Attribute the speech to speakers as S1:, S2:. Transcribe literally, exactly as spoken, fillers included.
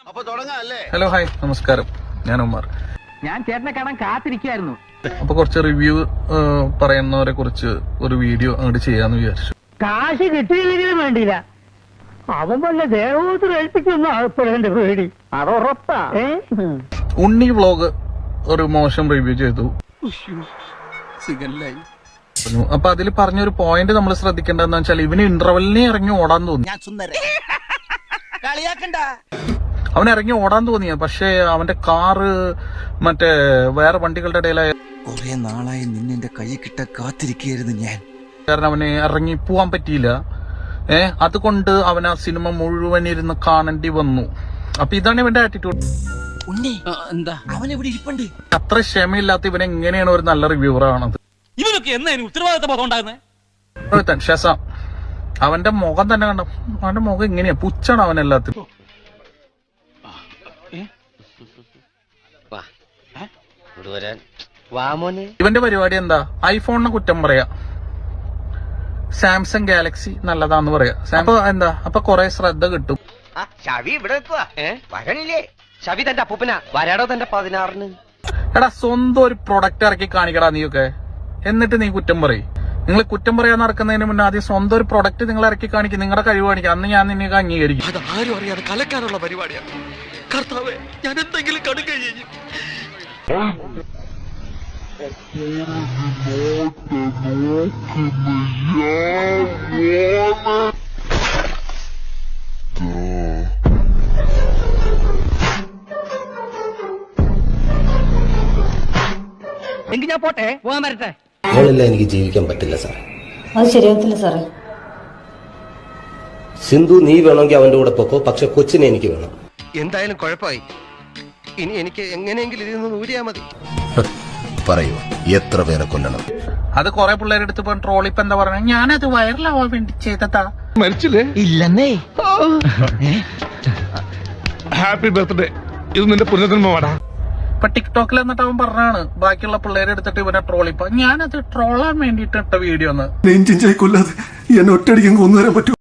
S1: Hello hi നമസ്കാരം, ഞാൻ ഉമ്മർ.
S2: ഞാൻ ചേട്ടനെ കാണാൻ കാത്തിരിക്കായിരുന്നു.
S1: അപ്പൊ കുറച്ച് റിവ്യൂ പറയുന്നവരെ കുറിച്ച് ഒരു വീഡിയോ അങ്ങോട്ട് ചെയ്യാന്ന് വിചാരിച്ചു.
S2: കാശ് കിട്ടിയില്ലെങ്കിലും വേണ്ടിയില്ല, അവൻ വല്ല ദേവോത്തര ഏൽപ്പിക്കുന്ന ആൾപ്പെടേണ്ട പേടി അതുറപ്പാ.
S1: ഉണ്ണി വ്ളോഗ് ഒരു മോശം റിവ്യൂ ചെയ്തു. അപ്പൊ അതിൽ പറഞ്ഞൊരു പോയിന്റ് നമ്മൾ ശ്രദ്ധിക്കേണ്ടതെന്ന് വെച്ചാൽ ഇവന് ഇന്റർവെല്ലിനെ ഇറങ്ങി ഓടാൻ തോന്നി. അവൻ ഇറങ്ങി ഓടാൻ തോന്നിയ പക്ഷെ അവന്റെ കാറ് മറ്റേ വേറെ വണ്ടികളുടെ ഇടയിലായ
S3: കുറെ നാളായി നിന്നെ കൈ കിട്ട കാത്തിരിക്കുകയായിരുന്നു ഞാൻ.
S1: കാരണം അവന് ഇറങ്ങി പോവാൻ പറ്റിയില്ല. ഏഹ് അതുകൊണ്ട് അവൻ ആ സിനിമ മുഴുവൻ ഇരുന്ന് കാണേണ്ടി വന്നു. അപ്പൊ ഇതാണ് ഇവന്റെ ആറ്റിറ്റ്യൂഡ്.
S3: എന്താ അവൻ ഇവിടെ ഇരിപ്പുണ്ട്.
S1: അത്ര ക്ഷമയില്ലാത്ത ഇവൻ എങ്ങനെയാണ് ഒരു നല്ല റിവ്യൂവർ ആണത്?
S4: ഇവനൊക്കെ എന്നാ ഉത്തരവാദിത്ത ബോധം ഉണ്ടാകുന്നത്?
S1: ശേഷം അവന്റെ മുഖം തന്നെ കണ്ട, അവന്റെ മുഖം എങ്ങനെയാ പുച്ചാണ് അവൻ എല്ലാത്തിനും. ഇവന്റെ പരിപാടി എന്താ? ഐഫോണിനെ കുറ്റം പറയാ, സാംസങ് ഗാലക്സി നല്ലതാന്ന് പറയാ. അപ്പൊ എന്താ അപ്പൊ കൊറേ ശ്രദ്ധ കിട്ടും. എടാ സ്വന്തം ഒരു പ്രൊഡക്റ്റ് ഇറക്കി കാണിക്കടാ നീയൊക്കെ, എന്നിട്ട് നീ കുറ്റം പറയും. നിങ്ങൾ കുറ്റം പറയാൻ നടക്കുന്നതിന് മുന്നേ ആദ്യം സ്വന്തം ഒരു പ്രൊഡക്റ്റ് നിങ്ങൾ ഇറക്കി കാണിക്കും, നിങ്ങളുടെ കഴിവ് കാണിക്കും. അന്ന് ഞാൻ നിന്നെ അംഗീകരിക്കും.
S3: അത് ആരും അറിയാതെ കലക്കാനുള്ള പരിപാടിയാണ്. കർത്താവേ, ഞാൻ എന്തെങ്കിലും കടുക ചെയ്യും.
S2: എങ്കിൽ ഞാൻ പോട്ടെ, പോകാൻ വരട്ടെ.
S5: മോളില്ല, എനിക്ക് ജീവിക്കാൻ പറ്റില്ല സാറേ.
S6: അത് ശരിയാവത്തില്ല സാറേ.
S5: സിന്ധു നീ വേണമെങ്കിൽ അവന്റെ കൂടെ പൊക്കോ, പക്ഷെ കൊച്ചിനെ എനിക്ക് വേണം.
S3: എന്തായാലും കുഴപ്പമായി. ഇനി എനിക്ക് എങ്ങനെയെങ്കിലും ഇതിൽ നിന്ന് ഊരിയാ മതി.
S5: പറയൂ, എത്ര പേരെ കൊല്ലണം?
S1: അത് കൊറേ പിള്ളേരെടുത്ത് ഇപ്പൊ ട്രോളി ഇപ്പൊ എന്താ പറഞ്ഞ, ഞാനത് വൈറലാവാൻ വേണ്ടി ചെയ്തതാ.
S7: മരിച്ചില്ലേ?
S3: ഇല്ലെന്നേ.
S7: ഹാപ്പി ബർത്ത്ഡേ, ഇത് നിന്റെ പുനർജന്മമാടാ.
S1: ഇപ്പൊ ടിക്ടോക്കിൽ എന്നിട്ട് അവൻ പറഞ്ഞാണ് ബാക്കിയുള്ള പിള്ളേരെ എടുത്തിട്ട് ഇവനെ ട്രോളി. ഇപ്പൊ ഞാനത് ട്രോളാൻ വേണ്ടിട്ട് ഇട്ട വീഡിയോ ഒന്ന്
S8: നെഞ്ചിഞ്ചായി കൊല്ലാതെ എന്നെ ഒറ്റയടിക്കാൻ കൊന്നുതരാൻ പറ്റും.